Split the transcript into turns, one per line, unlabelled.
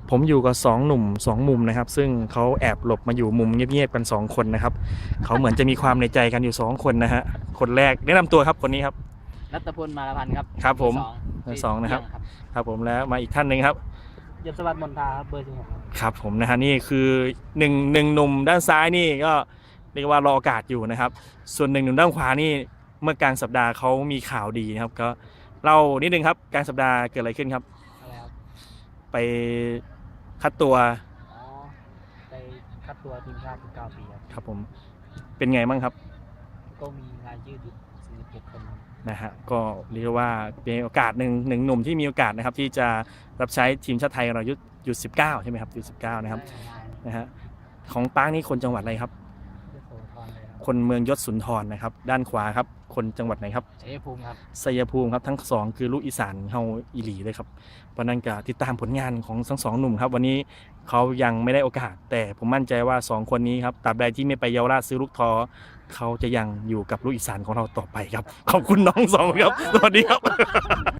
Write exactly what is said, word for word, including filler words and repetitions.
ผมอยู่กับสองหนุ่มสองมุมนะครับซึ่งเขาแอบหลบมาอยู่มุมเงียบๆกันสองคนนะครับเขาเหมือนจะมีความในใจกันอยู่สองคนนะฮะคนแรกแนะนำตัวครับคนนี้ครับ
รัตพล มาลพันธ์ครับ
ครับผม
เบอร์
สองนะครับครับผมแล้วมาอีกท่านหนึ่งครับ
ยศวัฒน์มนทาครับเบอร์สิบหกครับ
ครับผมนะฮะนี่คือหนึ่งหนึ่งหนุ่มด้านซ้ายนี่ก็เรียกว่ารอโอกาสอยู่นะครับส่วนหนึ่งหนุ่มด้านขวานี่เมื่อกลางสัปดาห์เขามีข่าวดีนะครับก็เล่านิดนึงครับกลางสัปดาห์เกิดอะไรขึ้นครับ
อะไรครับ
ไปคัดตัว
อ๋อไปคัดตัวทีมชาติสิบเก้าปีครับ
ครับผมเป็นไงบ้างครับ
ก็มีรายชื่ออยู่สี่สิบเจ็ดคน
นะฮะก็เรียกว่าเป็นโอกาสหนึ่งหนึ่งหนุ่มที่มีโอกาสนะครับที่จะรับใช้ทีมชาติไทยเรายุยุดสิบเก้าใช่ไหมครับยุดสิบเก้านะครับนะฮะของป้างนี่คนจังหวัดอะไรครับคนเมืองยศสุนทรนะครับด้านขวาครับคนจังหวัดไหนครับ
ชัยภูมิครับ
ชัยภูมิครับทั้งสองคือลูกอีสานเฮาอีหลีเลยครับวันนั้นก็ติดตามผลงานของทั้งสองหนุ่มครับวันนี้เขายังไม่ได้โอกาสแต่ผมมั่นใจว่าสองคนนี้ครับตราบใดที่ไม่ไปเยาวราชซื้อลูกท้อเขาจะยังอยู่กับลูกอีสานของเราต่อไปครับขอบคุณน้องสองครับสวัสดีครับ